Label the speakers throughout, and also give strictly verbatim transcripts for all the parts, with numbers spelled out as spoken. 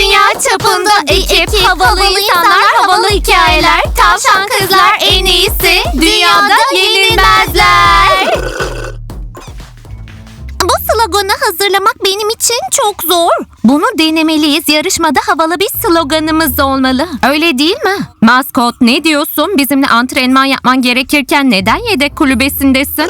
Speaker 1: Dünya çapında ekip, havalı insanlar, havalı hikayeler. Tavşan kızlar en iyisi, dünyada yenilmezler. Bu sloganı hazırlamak benim için çok zor. Bunu denemeliyiz. Yarışmada havalı bir sloganımız olmalı. Öyle değil mi? Maskot, ne diyorsun? Bizimle antrenman yapman gerekirken neden yedek kulübesindesin?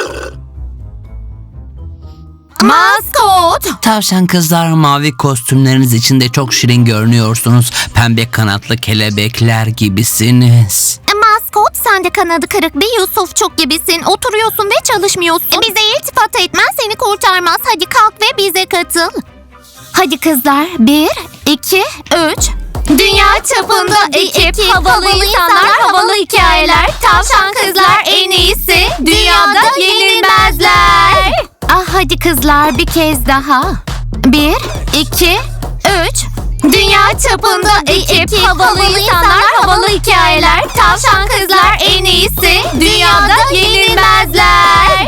Speaker 1: Maskot!
Speaker 2: Tavşan kızlar, mavi kostümleriniz içinde çok şirin görünüyorsunuz. Pembe kanatlı kelebekler gibisiniz.
Speaker 1: Maskot, sen de kanadı kırık bir Yusufçuk gibisin. Oturuyorsun ve çalışmıyorsun. Bize iltifat etmen seni kurtarmaz. Hadi kalk ve bize katıl. Hadi kızlar. Bir, iki, üç. Dünya çapında ekip, havalı insanlar, havalı hikayeler. Tavşan kızlar en iyisi, dünyada yenilmezler. Ah hadi kızlar, bir kez daha. Bir, iki, üç. Dünya çapında ekip, havalı insanlar, havalı hikayeler. Tavşan kızlar en iyisi, dünyada yenilmezler.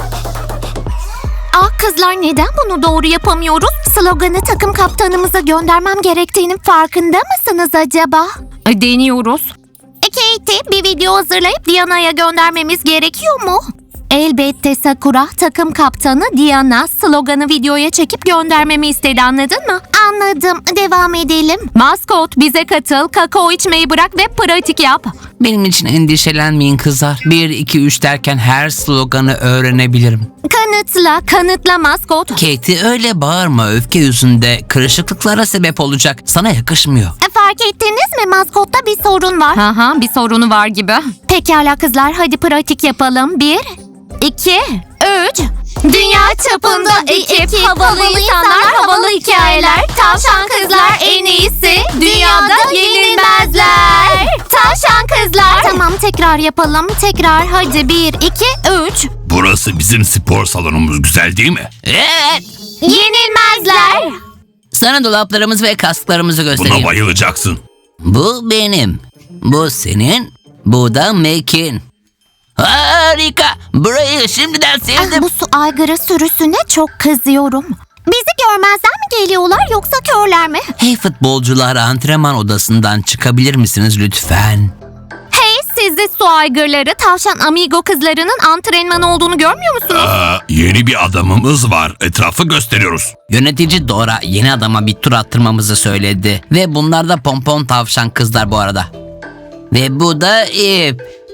Speaker 1: Ah kızlar, neden bunu doğru yapamıyoruz? Sloganı takım kaptanımıza göndermem gerektiğinin farkında mısınız acaba? Deniyoruz. Katie, bir video hazırlayıp Diana'ya göndermemiz gerekiyor mu? Elbette Sakura, takım kaptanı Diana sloganı videoya çekip göndermemi istedi, anladın mı? Anladım, devam edelim. Maskot, bize katıl, kakao içmeyi bırak ve pratik yap.
Speaker 2: Benim için endişelenmeyin kızlar. Bir, iki, üç derken her sloganı öğrenebilirim.
Speaker 1: Kanıtla, kanıtla Maskot.
Speaker 2: Katie, öyle bağırma, öfke yüzünde kırışıklıklara sebep olacak. Sana yakışmıyor.
Speaker 1: Fark ettiniz mi, Maskot'ta bir sorun var. Aha, bir sorunu var gibi. Pekala kızlar, hadi pratik yapalım. Bir, iki, üç. Dünya çapında ekip, havalı insanlar, havalı hikayeler. Tavşan kızlar en iyisi, dünyada yenilmezler. Tavşan kızlar. Tamam, tekrar yapalım. Tekrar, hadi bir, iki, üç.
Speaker 3: Burası bizim spor salonumuz, güzel değil mi?
Speaker 2: Evet.
Speaker 1: Yenilmezler.
Speaker 2: Sana dolaplarımızı ve kasklarımızı göstereyim.
Speaker 3: Buna bayılacaksın.
Speaker 2: Bu benim. Bu senin. Bu da Mac'in. Harika. Burayı şimdiden
Speaker 1: Ah,
Speaker 2: sevdim.
Speaker 1: bu su aygırı sürüsüne çok kızıyorum. Bizi görmezden mi geliyorlar yoksa körler mi?
Speaker 2: Hey futbolcular, antrenman odasından çıkabilir misiniz lütfen?
Speaker 1: Hey sizi su aygırları, tavşan amigo kızlarının antrenman olduğunu görmüyor musunuz?
Speaker 3: Aa, yeni bir adamımız var. Etrafı gösteriyoruz.
Speaker 2: Yönetici Dora yeni adama bir tur attırmamızı söyledi. Ve bunlar da pompon tavşan kızlar bu arada. Ve bu da ip.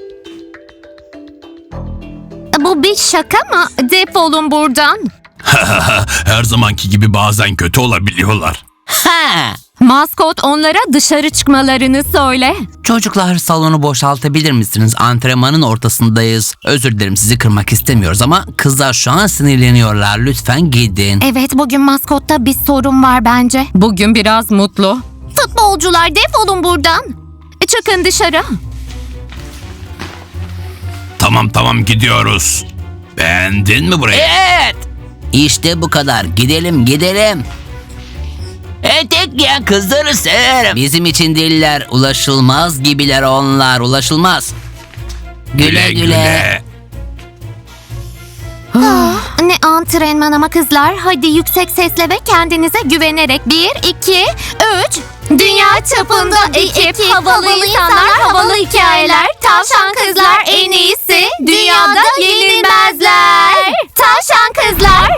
Speaker 1: Bu bir şaka mı? Defolun buradan.
Speaker 3: Her zamanki gibi bazen kötü olabiliyorlar.
Speaker 2: Ha!
Speaker 1: Maskot, onlara dışarı çıkmalarını söyle.
Speaker 2: Çocuklar, salonu boşaltabilir misiniz? Antrenmanın ortasındayız. Özür dilerim, sizi kırmak istemiyoruz ama kızlar şu an sinirleniyorlar. Lütfen gidin.
Speaker 1: Evet, bugün maskotta bir sorun var bence. Bugün biraz mutlu. Futbolcular, defolun buradan. Çıkın dışarı.
Speaker 3: Tamam tamam, gidiyoruz. Beğendin mi burayı?
Speaker 2: Evet. İşte bu kadar. Gidelim gidelim. Etek giyen kızları severim. Bizim için değiller. Ulaşılmaz gibiler onlar. Ulaşılmaz. Güle güle.
Speaker 1: Ne antrenman ama kızlar. Hadi yüksek sesle ve kendinize güvenerek. Bir, iki, üç. Dünya çapında ekip, havalı insanlar, havalı hikayeler. Tavşan kızlar en iyisi, dünyada yenilmezler. Tavşan kızlar.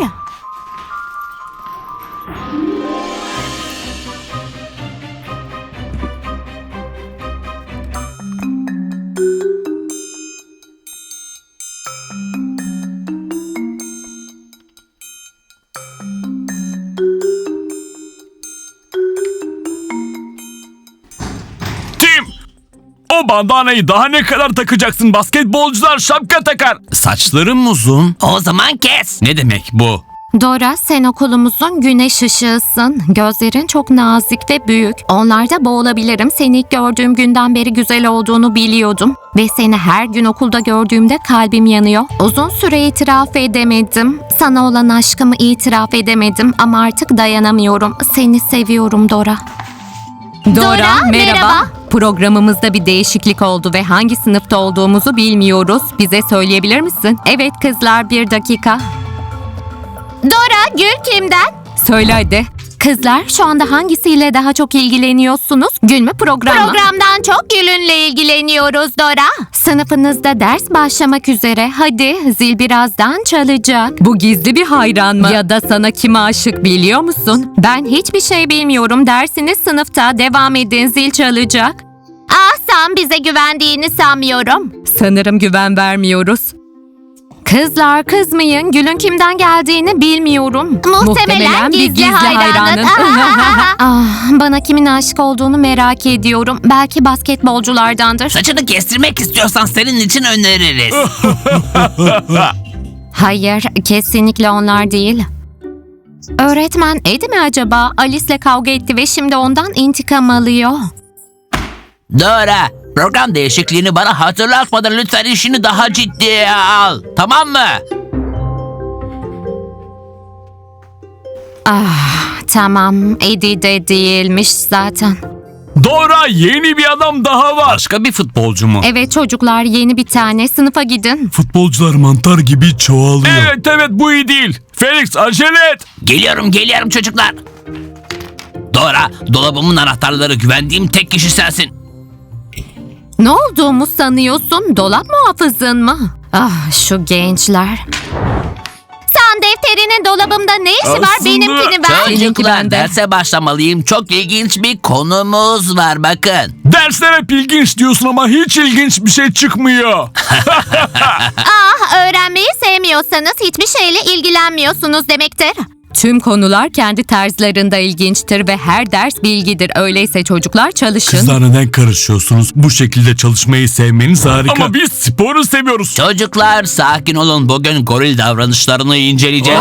Speaker 3: Tim! O bandanayı daha ne kadar takacaksın? Basketbolcular şapka takar. Saçlarım uzun.
Speaker 2: O zaman kes.
Speaker 3: Ne demek bu?
Speaker 1: Dora, sen okulumuzun güneş ışığısın. Gözlerin çok nazik ve büyük. Onlarda boğulabilirim. Seni ilk gördüğüm günden beri güzel olduğunu biliyordum. Ve seni her gün okulda gördüğümde kalbim yanıyor. Uzun süre itiraf edemedim. Sana olan aşkımı itiraf edemedim ama artık dayanamıyorum. Seni seviyorum Dora. Dora, merhaba. Programımızda bir değişiklik oldu ve hangi sınıfta olduğumuzu bilmiyoruz. Bize söyleyebilir misin? Evet kızlar, bir dakika. Dora, Gül kimden? Söyle hadi. Kızlar şu anda hangisiyle daha çok ilgileniyorsunuz? Gün mü program mı? Programdan çok Gül'ünle ilgileniyoruz Dora. Sınıfınızda ders başlamak üzere. Hadi zil birazdan çalacak.
Speaker 4: Bu gizli bir hayran mı? Ya da sana kim aşık biliyor musun?
Speaker 1: Ben hiçbir şey bilmiyorum. Dersiniz sınıfta. Devam edin, zil çalacak. Ah, sen bize güvendiğini sanmıyorum.
Speaker 4: Sanırım güven vermiyoruz.
Speaker 1: Kızlar kızmayın. Gül'ün kimden geldiğini bilmiyorum. Muhtemelen,
Speaker 4: Muhtemelen bir
Speaker 1: gizli,
Speaker 4: gizli
Speaker 1: hayranın.
Speaker 4: hayranın.
Speaker 1: ah, bana kimin aşık olduğunu merak ediyorum. Belki basketbolculardandır.
Speaker 2: Saçını kestirmek istiyorsan senin için öneririz.
Speaker 1: Hayır, kesinlikle onlar değil. Öğretmen Edi mi acaba? Alice'le kavga etti ve şimdi ondan intikam alıyor.
Speaker 2: Dora, program değişikliğini bana hatırlatmadan lütfen işini daha ciddiye al. Tamam mı?
Speaker 1: Ah, tamam. Edi de değilmiş zaten.
Speaker 3: Dora, yeni bir adam daha var. Başka bir futbolcu mu?
Speaker 1: Evet çocuklar, yeni bir tane. Sınıfa gidin.
Speaker 5: Futbolcular mantar gibi çoğalıyor.
Speaker 3: Evet evet, bu iyi değil. Felix, acele et.
Speaker 2: Geliyorum geliyorum çocuklar. Dora, dolabımın anahtarları güvendiğim tek kişi sensin.
Speaker 1: Ne olduğumu sanıyorsun? Dolap muhafızın mı? Ah, şu gençler. Sen defterinin dolabımda ne işi var?
Speaker 3: Aslında-
Speaker 1: Benimkini ver.
Speaker 4: Seninki
Speaker 2: Çocuklar,
Speaker 4: bende.
Speaker 2: derse başlamalıyım. Çok ilginç bir konumuz var bakın.
Speaker 3: Dersler hep ilginç diyorsun ama hiç ilginç bir şey çıkmıyor.
Speaker 1: Ah, öğrenmeyi sevmiyorsanız hiçbir şeyle ilgilenmiyorsunuz demektir.
Speaker 4: Tüm konular kendi tarzlarında ilginçtir ve her ders bilgidir. Öyleyse çocuklar çalışın.
Speaker 5: Kızlar neden karışıyorsunuz? Bu şekilde çalışmayı sevmeniz harika.
Speaker 3: Ama biz sporu seviyoruz.
Speaker 2: Çocuklar sakin olun. Bugün goril davranışlarını inceleyeceğiz.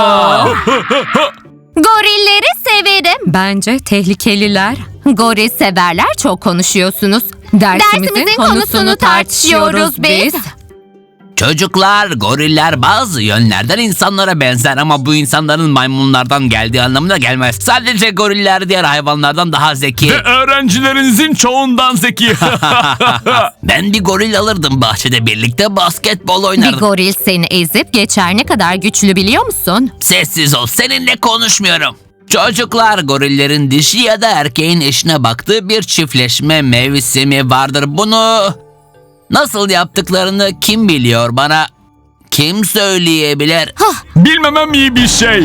Speaker 1: Gorilleri severim.
Speaker 4: Bence tehlikeliler.
Speaker 1: Goril severler, çok konuşuyorsunuz.
Speaker 4: Dersimizin, konusunu tartışıyoruz biz.
Speaker 2: Çocuklar, goriller bazı yönlerden insanlara benzer ama bu insanların maymunlardan geldiği anlamına gelmez. Sadece goriller diğer hayvanlardan daha zeki.
Speaker 3: Ve öğrencilerinizin çoğundan zeki.
Speaker 2: Ben bir goril alırdım, bahçede birlikte basketbol
Speaker 1: Bir
Speaker 2: oynardık.
Speaker 1: goril seni ezip geçer, ne kadar güçlü biliyor musun?
Speaker 2: Sessiz ol, seninle konuşmuyorum. Çocuklar, gorillerin dişi ya da erkeğin eşine baktığı bir çiftleşme mevsimi vardır. Bunu nasıl yaptıklarını kim biliyor bana? Kim söyleyebilir?
Speaker 3: Bilmemem iyi bir şey.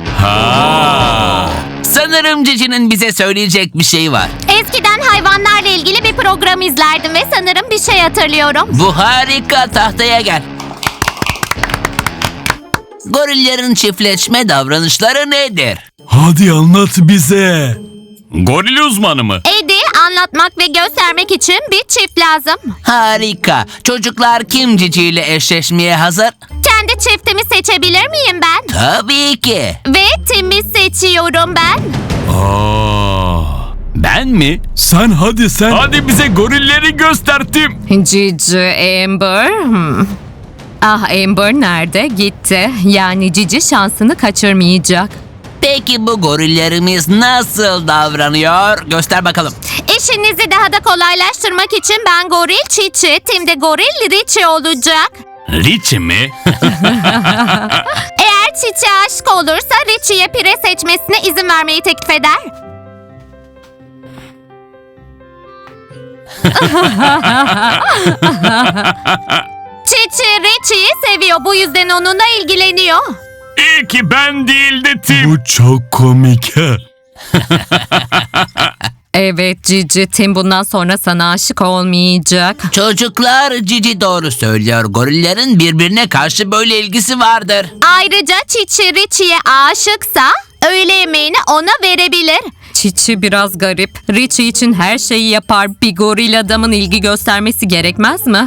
Speaker 2: Sanırım Cici'nin bize söyleyecek bir şey var.
Speaker 1: Eskiden hayvanlarla ilgili bir program izlerdim ve sanırım bir şey hatırlıyorum.
Speaker 2: Bu harika, tahtaya gel. Gorillerin çiftleşme davranışları nedir?
Speaker 5: Hadi anlat bize.
Speaker 3: Goril uzmanı mı?
Speaker 1: Edi, anlatmak ve göstermek için bir çift lazım.
Speaker 2: Harika. Çocuklar, kim Cici ile eşleşmeye hazır?
Speaker 1: Kendi çiftimi seçebilir miyim ben?
Speaker 2: Tabii ki.
Speaker 1: Ve Tim'i seçiyorum ben.
Speaker 3: Aa, ben mi?
Speaker 5: Sen hadi sen.
Speaker 3: Hadi bize gorilleri göster Tim.
Speaker 4: Cici, Amber. Hmm. Ah, Amber nerede? Gitti. Yani Cici şansını kaçırmayacak.
Speaker 2: Peki bu gorillerimiz nasıl davranıyor? Göster bakalım.
Speaker 1: İşinizi daha da kolaylaştırmak için ben goril Çiçi, Tim de goril Richie olacak.
Speaker 3: Richie mi?
Speaker 1: Eğer Çiçi aşık olursa Richie'ye pire seçmesine izin vermeyi teklif eder. Çiçi Richie'yi seviyor, bu yüzden onunla ilgileniyor.
Speaker 3: İyi ki ben değil de Tim.
Speaker 5: Bu çok komik. ha.
Speaker 4: Evet Cici, Tim bundan sonra sana aşık olmayacak.
Speaker 2: Çocuklar, Cici doğru söylüyor. Gorillerin birbirine karşı böyle ilgisi vardır.
Speaker 1: Ayrıca Çiçi Richie'ye aşıksa öğle yemeğini ona verebilir.
Speaker 4: Çiçi biraz garip. Richie için her şeyi yapar. Bir goril adamın ilgi göstermesi gerekmez mi?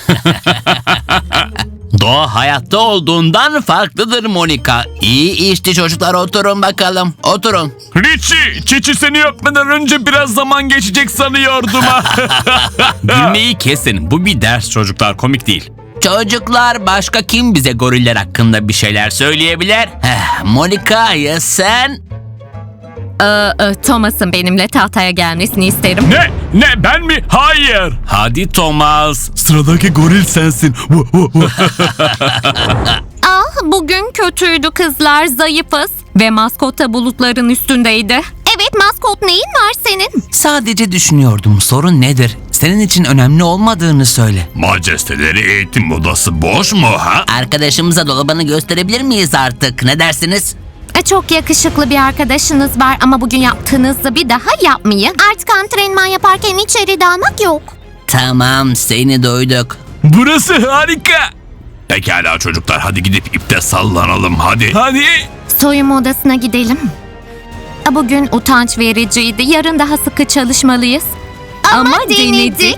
Speaker 2: Doğa hayatta olduğundan farklıdır Monika. İyi işte çocuklar, oturun bakalım. Oturun.
Speaker 3: Richie, Çiçi seni öpmeden önce biraz zaman geçecek sanıyordum. Gülmeyi kesin. Bu bir ders çocuklar, komik değil.
Speaker 2: Çocuklar, başka kim bize goriller hakkında bir şeyler söyleyebilir? Heh, Monika, ya sen?
Speaker 4: Ee, e, Thomas'ın benimle tahtaya gelmesini isterim.
Speaker 3: Ne? Ne? Ben mi? Hayır. Hadi Thomas.
Speaker 5: Sıradaki goril sensin. Vu, vu, vu.
Speaker 1: Ah, bugün kötüydü kızlar, zayıfız.
Speaker 4: Ve maskot da bulutların üstündeydi.
Speaker 1: Evet maskot, neyin var senin?
Speaker 2: Sadece düşünüyordum, sorun nedir? Senin için önemli olmadığını söyle.
Speaker 3: Majesteleri eğitim odası boş mu ha?
Speaker 2: Arkadaşımıza dolabını gösterebilir miyiz artık? Ne dersiniz?
Speaker 1: E, Çok yakışıklı bir arkadaşınız var ama bugün yaptığınızı bir daha yapmayın. Artık antrenman yaparken içeri dalmak yok.
Speaker 2: Tamam, seni duyduk.
Speaker 3: Burası harika. Pekala çocuklar, hadi gidip ipte sallanalım hadi. Hadi.
Speaker 1: Soyunma odasına gidelim. E, Bugün utanç vericiydi. Yarın daha sıkı çalışmalıyız.
Speaker 4: Ama denedik.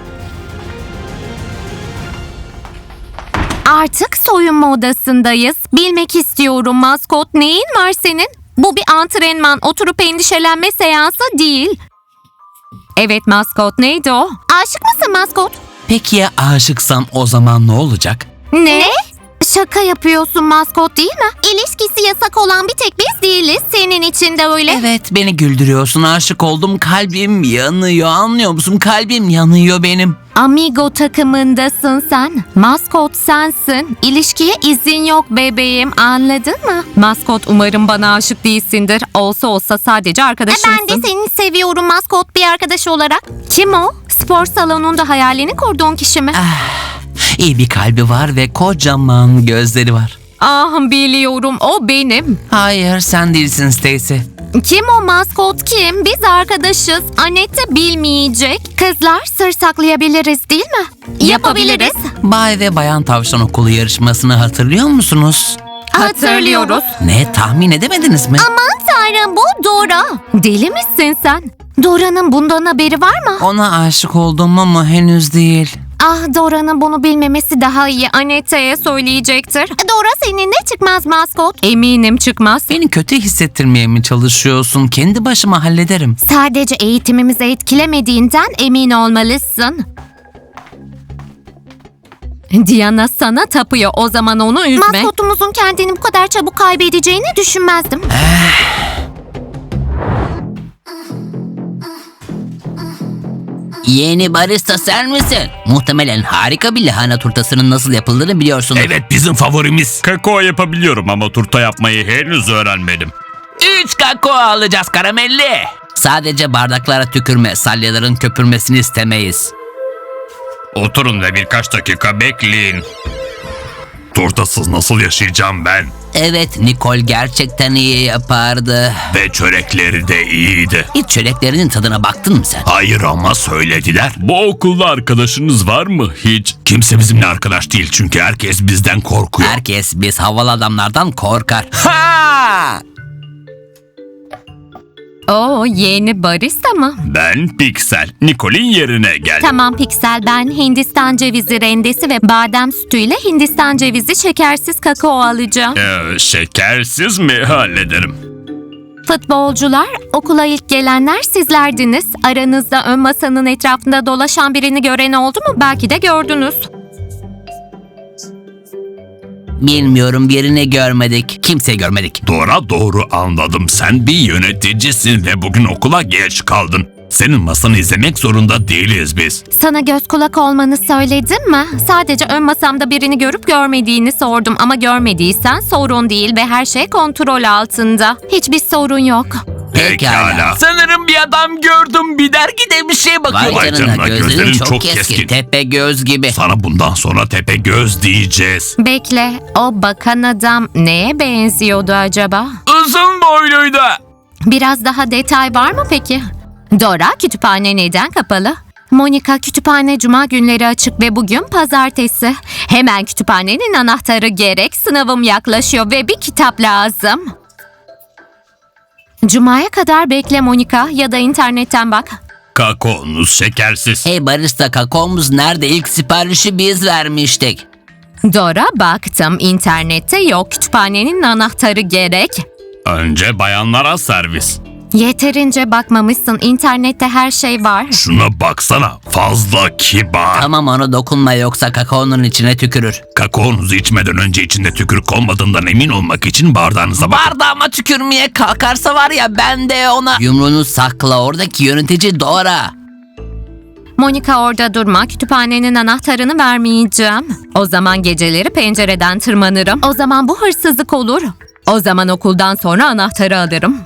Speaker 1: Artık soyunma odasındayız. Bilmek istiyorum maskot, neyin var senin? Bu bir antrenman, oturup endişelenme seansı değil.
Speaker 4: Evet maskot, neydi o?
Speaker 1: Aşık mısın maskot?
Speaker 2: Peki ya aşıksam o zaman ne olacak?
Speaker 1: Ne? Şaka yapıyorsun maskot, değil mi? İlişkisi yasak olan bir tek biz değiliz. Senin için de öyle.
Speaker 2: Evet, beni güldürüyorsun, aşık oldum, kalbim yanıyor, anlıyor musun? Kalbim yanıyor benim.
Speaker 1: Amigo takımındasın sen. Maskot sensin. İlişkiye izin yok bebeğim, anladın mı?
Speaker 4: Maskot, umarım bana aşık değilsindir. Olsa olsa sadece
Speaker 1: E,
Speaker 4: arkadaşımsın.
Speaker 1: ben de seni seviyorum maskot, bir arkadaş olarak. Kim o? Spor salonunda hayalini kurduğun kişi mi?
Speaker 2: İyi bir kalbi var ve kocaman gözleri var.
Speaker 4: Ah biliyorum, o benim.
Speaker 2: Hayır, sen değilsin Stacy.
Speaker 1: Kim o maskot, kim? Biz arkadaşız. Annette bilmeyecek. Kızlar, sır saklayabiliriz değil mi?
Speaker 4: Yapabiliriz.
Speaker 2: Bay ve Bayan Tavşan Okulu yarışmasını hatırlıyor musunuz?
Speaker 1: Hatırlıyoruz.
Speaker 2: Ne, tahmin edemediniz mi?
Speaker 1: Aman tanrım, bu Dora. Deli misin sen? Dora'nın bundan haberi var mı?
Speaker 2: Ona aşık oldum ama henüz değil.
Speaker 1: Ah, Dora'nın bunu bilmemesi daha iyi. Annette'ye söyleyecektir. Dora seninle çıkmaz maskot.
Speaker 4: Eminim çıkmaz.
Speaker 2: Beni kötü hissettirmeye mi çalışıyorsun? Kendi başıma hallederim.
Speaker 1: Sadece eğitimimizi etkilemediğinden emin olmalısın.
Speaker 4: Diana sana tapıyor, o zaman onu üzme.
Speaker 1: Maskotumuzun kendini bu kadar çabuk kaybedeceğini düşünmezdim.
Speaker 2: Yeni barista sen misin? Muhtemelen harika bir lahana turtasının nasıl yapıldığını biliyorsun.
Speaker 3: Evet, bizim favorimiz. Kakao yapabiliyorum ama turta yapmayı henüz öğrenmedim.
Speaker 2: Üç kakao alacağız karamelli. Sadece bardaklara tükürme, salyaların köpürmesini istemeyiz.
Speaker 3: Oturun ve birkaç dakika bekleyin. Turtasız nasıl yaşayacağım ben?
Speaker 2: Evet, Nicole gerçekten iyi yapardı.
Speaker 3: Ve çörekleri de iyiydi.
Speaker 2: Hiç çöreklerinin tadına baktın mı sen?
Speaker 3: Hayır ama söylediler. Bu okulda arkadaşınız var mı hiç? Kimse bizimle arkadaş değil çünkü herkes bizden korkuyor.
Speaker 2: Herkes biz havalı adamlardan korkar. Ha!
Speaker 4: O yeni barista mı?
Speaker 3: Ben Pixel. Nicole'in yerine geldim.
Speaker 1: Tamam Pixel, ben Hindistan cevizi rendesi ve badem sütüyle Hindistan cevizi şekersiz kakao alacağım.
Speaker 3: Ee, şekersiz mi hallederim?
Speaker 1: Futbolcular, okula ilk gelenler sizlerdiniz. Aranızda ön masanın etrafında dolaşan birini gören oldu mu? Belki de gördünüz.
Speaker 2: Bilmiyorum, birini görmedik. Kimseyi görmedik.
Speaker 3: Dora, doğru anladım. Sen bir yöneticisin ve bugün okula geç kaldın. Senin masanı izlemek zorunda değiliz biz.
Speaker 1: Sana göz kulak olmanı söyledim mi? Sadece ön masamda birini görüp görmediğini sordum ama görmediysen sorun değil ve her şey kontrol altında. Hiçbir sorun yok.
Speaker 3: Pekala.
Speaker 2: Sanırım bir adam gördüm. Bir dergide bir şey bakıyor.
Speaker 3: Vay canına, gözlerin çok keskin.
Speaker 2: Tepe göz gibi.
Speaker 3: Sana bundan sonra tepe göz diyeceğiz.
Speaker 1: Bekle, o bakan adam neye benziyordu acaba?
Speaker 2: Uzun boyluydu.
Speaker 1: Biraz daha detay var mı peki? Dora, kütüphane neden kapalı? Monica, kütüphane cuma günleri açık ve bugün pazartesi. Hemen kütüphanenin anahtarı gerek. Sınavım yaklaşıyor ve bir kitap lazım. Cuma'ya kadar bekle Monica, ya da internetten bak.
Speaker 3: Kakaonuz şekersiz.
Speaker 2: Hey barista, kakaomuz nerede? İlk siparişi biz vermiştik.
Speaker 1: Dora, baktım, internette yok. Kütüphanenin anahtarı gerek.
Speaker 3: Önce bayanlara servis.
Speaker 1: Yeterince bakmamışsın. İnternette her şey var.
Speaker 3: Şuna baksana, fazla kibar.
Speaker 2: Tamam, ona dokunma yoksa kakaonun içine tükürür.
Speaker 3: Kakaonuzu içmeden önce içinde tükürük olmadığından emin olmak için bardağınıza bakın.
Speaker 2: Bardağıma tükürmeye kalkarsa var ya, ben de ona... Yumruğunu sakla, oradaki yönetici Dora.
Speaker 1: Monica, orada durma. Kütüphanenin anahtarını vermeyeceğim. O zaman geceleri pencereden tırmanırım. O zaman bu hırsızlık olur.
Speaker 4: O zaman okuldan sonra anahtarı alırım.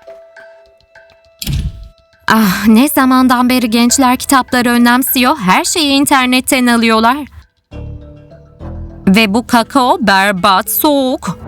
Speaker 4: Ah, ne zamandan beri gençler kitapları önemsiyor. Her şeyi internetten alıyorlar. Ve bu kakao berbat, soğuk.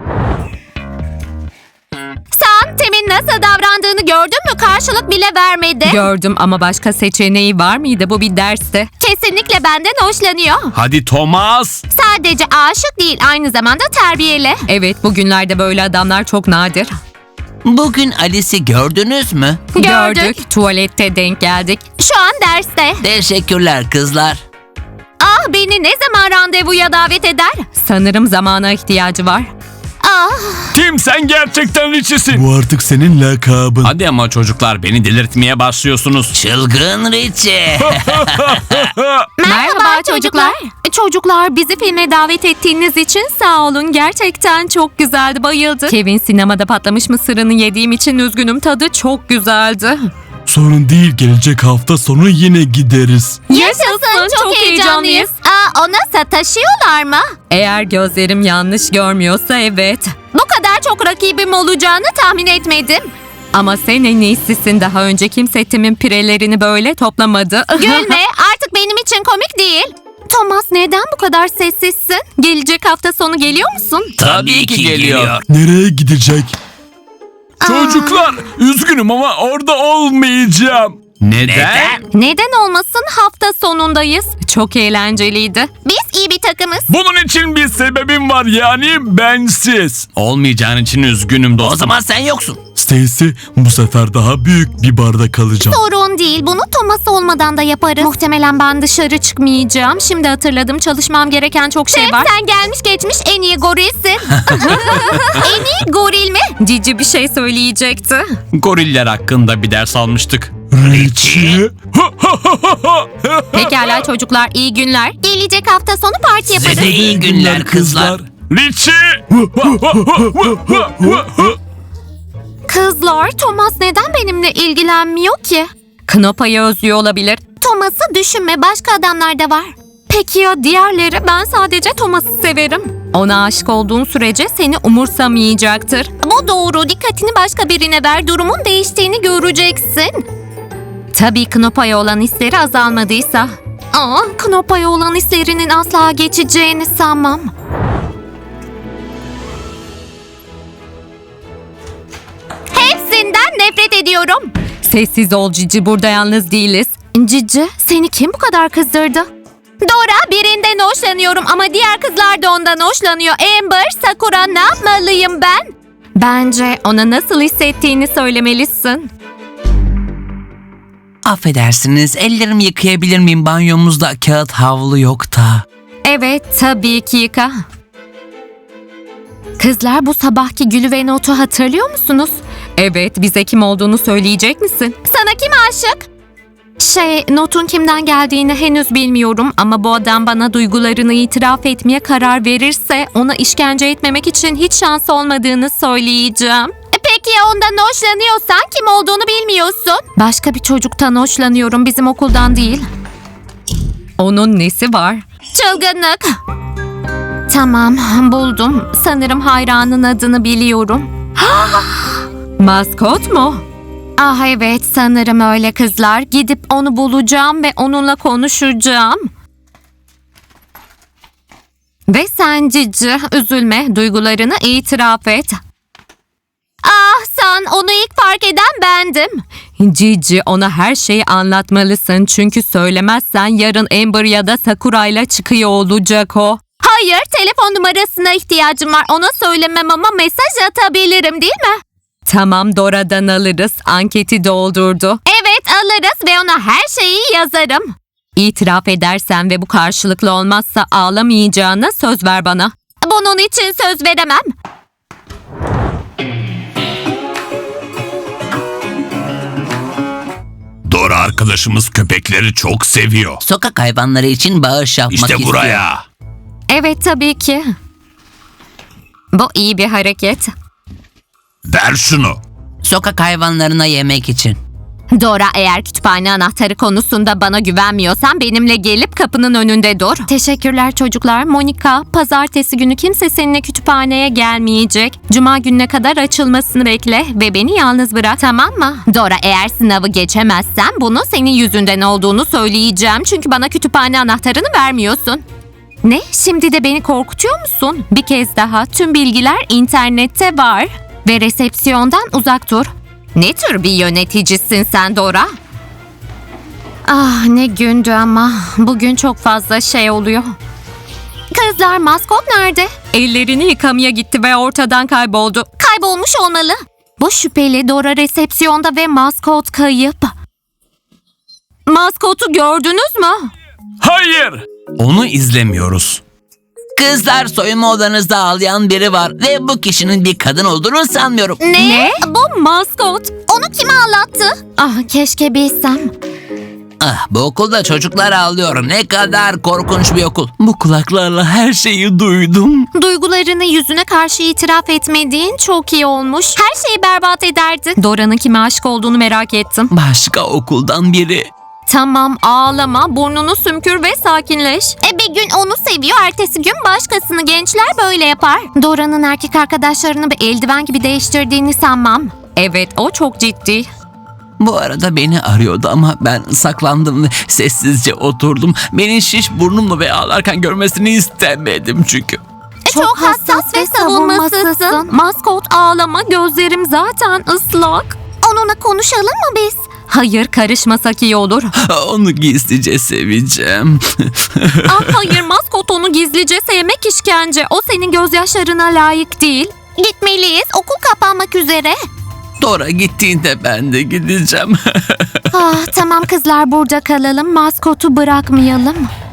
Speaker 1: Sen Tim'in nasıl davrandığını gördün mü? Karşılık bile vermedi.
Speaker 4: Gördüm ama başka seçeneği var mıydı? Bu bir dersti.
Speaker 1: Kesinlikle benden hoşlanıyor.
Speaker 3: Hadi Thomas.
Speaker 1: Sadece aşık değil, aynı zamanda terbiyeli.
Speaker 4: Evet, bugünlerde böyle adamlar çok nadir.
Speaker 2: Bugün Alice'i gördünüz mü?
Speaker 1: Gördük.
Speaker 4: Tuvalette denk geldik.
Speaker 1: Şu an derste.
Speaker 2: Teşekkürler kızlar.
Speaker 1: Ah, beni ne zaman randevuya davet eder?
Speaker 4: Sanırım zamana ihtiyacı var.
Speaker 1: Ah,
Speaker 3: Tim, sen gerçekten Richie'sin.
Speaker 5: Bu artık senin lakabın.
Speaker 3: Hadi ama çocuklar, beni delirtmeye başlıyorsunuz.
Speaker 2: Çılgın Richie.
Speaker 1: merhaba, çocuklar.
Speaker 4: Çocuklar, bizi filme davet ettiğiniz için sağ olun. Gerçekten çok güzeldi, bayıldı. Kevin, sinemada patlamış mısırını yediğim için üzgünüm, tadı çok güzeldi.
Speaker 5: Sorun değil, gelecek hafta sonu yine gideriz.
Speaker 1: Yaşasın, çok, heyecanlıyız. Aa, ona sataşıyorlar mı?
Speaker 4: Eğer gözlerim yanlış görmüyorsa evet.
Speaker 1: Bu kadar çok rakibim olacağını tahmin etmedim.
Speaker 4: Ama sen en iyisisin, daha önce kimse Tim'in pirelerini böyle toplamadı.
Speaker 1: Gülme, artık benim için komik değil. Thomas, neden bu kadar sessizsin?
Speaker 4: Gelecek hafta sonu geliyor musun?
Speaker 2: Tabii ki geliyor.
Speaker 5: Nereye gidecek?
Speaker 3: Çocuklar, üzgünüm ama orada olmayacağım. Neden?
Speaker 4: Neden olmasın, hafta sonundayız. Çok eğlenceliydi.
Speaker 1: Biz iyi bir takımız.
Speaker 3: Bunun için bir sebebim var, yani bensiz. Olmayacağın için üzgünüm dostum.
Speaker 2: O zaman sen yoksun.
Speaker 5: Stacy, bu sefer daha büyük bir barda kalacağım.
Speaker 1: Sorun değil, bunu Thomas olmadan da yaparız.
Speaker 4: Muhtemelen ben dışarı çıkmayacağım. Şimdi hatırladım, çalışmam gereken çok şey
Speaker 1: Tim,
Speaker 4: var.
Speaker 1: sen gelmiş geçmiş en iyi gorilsin. En iyi goril mi?
Speaker 4: Cici bir şey söyleyecekti.
Speaker 3: Goriller hakkında bir ders almıştık.
Speaker 5: Richie?
Speaker 4: Pekala çocuklar, iyi günler.
Speaker 1: Gelecek hafta sonu parti yaparız.
Speaker 2: Size iyi günler kızlar.
Speaker 3: Richie!
Speaker 1: Kızlar, Thomas neden benimle ilgilenmiyor ki?
Speaker 4: Knopa'yı özlüyor olabilir.
Speaker 1: Thomas'ı düşünme, başka adamlar da var.
Speaker 4: Peki ya diğerleri? Ben sadece Thomas'ı severim. Ona aşık olduğun sürece seni umursamayacaktır.
Speaker 1: Bu doğru, dikkatini başka birine ver, durumun değiştiğini göreceksin.
Speaker 4: Tabii Knopa'ya olan hisleri azalmadıysa.
Speaker 1: Aa, Knopa'ya olan hislerinin asla geçeceğini sanmam. Hepsinden nefret ediyorum.
Speaker 4: Sessiz ol Cici, burada yalnız değiliz.
Speaker 1: Cici, seni kim bu kadar kızdırdı? Dora, birinden hoşlanıyorum ama diğer kızlar da ondan hoşlanıyor. Amber, Sakura, ne yapmalıyım ben?
Speaker 4: Bence ona nasıl hissettiğini söylemelisin.
Speaker 2: Affedersiniz, ellerimi yıkayabilir miyim? Banyomuzda kağıt havlu yok da.
Speaker 4: Evet, tabii ki yıka. Kızlar, bu sabahki Gülü ve Not'u hatırlıyor musunuz? Evet, bize kim olduğunu söyleyecek misin?
Speaker 1: Sana kim aşık?
Speaker 4: Şey, Not'un kimden geldiğini henüz bilmiyorum ama bu adam bana duygularını itiraf etmeye karar verirse ona işkence etmemek için hiç şans olmadığını söyleyeceğim.
Speaker 1: Peki ya ondan hoşlanıyorsan kim olduğunu bilmiyorsun?
Speaker 4: Başka bir çocuktan hoşlanıyorum, bizim okuldan değil. Onun nesi var?
Speaker 1: Çılgınlık.
Speaker 4: Tamam, buldum. Sanırım hayranın adını biliyorum. Maskot mu? Ah evet, sanırım öyle kızlar. Gidip onu bulacağım ve onunla konuşacağım. Ve sen Cici, üzülme, duygularını itiraf et.
Speaker 1: Ah, sen onu ilk fark eden bendim.
Speaker 4: Cici, ona her şeyi anlatmalısın çünkü söylemezsen yarın Amber ya da Sakura ile çıkıyor olacak o.
Speaker 1: Hayır, telefon numarasına ihtiyacım var. Ona söylemem ama mesaj atabilirim, değil mi?
Speaker 4: Tamam, Dora'dan alırız. Anketi doldurdu.
Speaker 1: Evet, alırız ve ona her şeyi yazarım.
Speaker 4: İtiraf edersen ve bu karşılıklı olmazsa ağlamayacağına söz ver bana.
Speaker 1: Bunun için söz veremem.
Speaker 3: Dora arkadaşımız köpekleri çok seviyor.
Speaker 2: Sokak hayvanları için bağış yapmak
Speaker 3: İşte
Speaker 2: istiyor.
Speaker 3: buraya.
Speaker 4: Evet, tabii ki. Bu iyi bir hareket.
Speaker 3: Ver şunu.
Speaker 2: Sokak hayvanlarına yemek için.
Speaker 4: Dora, eğer kütüphane anahtarı konusunda bana güvenmiyorsan benimle gelip kapının önünde dur. Teşekkürler çocuklar. Monika, pazartesi günü kimse seninle kütüphaneye gelmeyecek. Cuma gününe kadar açılmasını bekle ve beni yalnız bırak, tamam mı? Dora, eğer sınavı geçemezsen bunu senin yüzünden olduğunu söyleyeceğim. Çünkü bana kütüphane anahtarını vermiyorsun. Ne? Şimdi de beni korkutuyor musun? Bir kez daha, tüm bilgiler internette var. Ve resepsiyondan uzak dur. Ne tür bir yöneticisin sen Dora? Ah, ne gündü ama. Bugün çok fazla şey oluyor.
Speaker 1: Kızlar, maskot nerede?
Speaker 4: Ellerini yıkamaya gitti ve ortadan kayboldu.
Speaker 1: Kaybolmuş olmalı.
Speaker 4: Bu şüpheli. Dora resepsiyonda ve maskot kayıp. Maskotu gördünüz mü?
Speaker 3: Hayır. Onu izlemiyoruz.
Speaker 2: Kızlar, soyunma odanızda ağlayan biri var ve bu kişinin bir kadın olduğunu sanmıyorum.
Speaker 1: Ne?
Speaker 4: Bu maskot.
Speaker 1: Onu kim ağlattı?
Speaker 4: Ah, keşke bilsem.
Speaker 2: Ah, bu okulda çocuklar ağlıyor. Ne kadar korkunç bir okul. Bu kulaklarla her şeyi duydum.
Speaker 4: Duygularını yüzüne karşı itiraf etmediğin çok iyi olmuş.
Speaker 1: Her şeyi berbat ederdin.
Speaker 4: Dora'nın kime aşık olduğunu merak ettim.
Speaker 2: Başka okuldan biri.
Speaker 4: Tamam, ağlama, burnunu sümkür ve sakinleş.
Speaker 1: E bir gün onu seviyor, ertesi gün başkasını. Gençler böyle yapar.
Speaker 4: Dora'nın erkek arkadaşlarını bir eldiven gibi değiştirdiğini sanmam. Evet, o çok ciddi.
Speaker 2: Bu arada beni arıyordu ama ben saklandım ve sessizce oturdum. Beni şiş burnumla ve ağlarken görmesini istemedim çünkü.
Speaker 1: E, çok, hassas ve savunmasızsın.
Speaker 4: Maskot, ağlama, gözlerim zaten ıslak.
Speaker 1: Onunla konuşalım mı biz?
Speaker 4: Hayır, karışmasak iyi olur.
Speaker 2: Onu gizlice seveceğim.
Speaker 4: Ah hayır, maskot onu gizlice sevmek işkence. O senin gözyaşlarına layık değil.
Speaker 1: Gitmeliyiz, okul kapanmak üzere.
Speaker 2: Dora gittiğinde ben de gideceğim.
Speaker 4: Ah, tamam kızlar, burada kalalım. Maskotu bırakmayalım.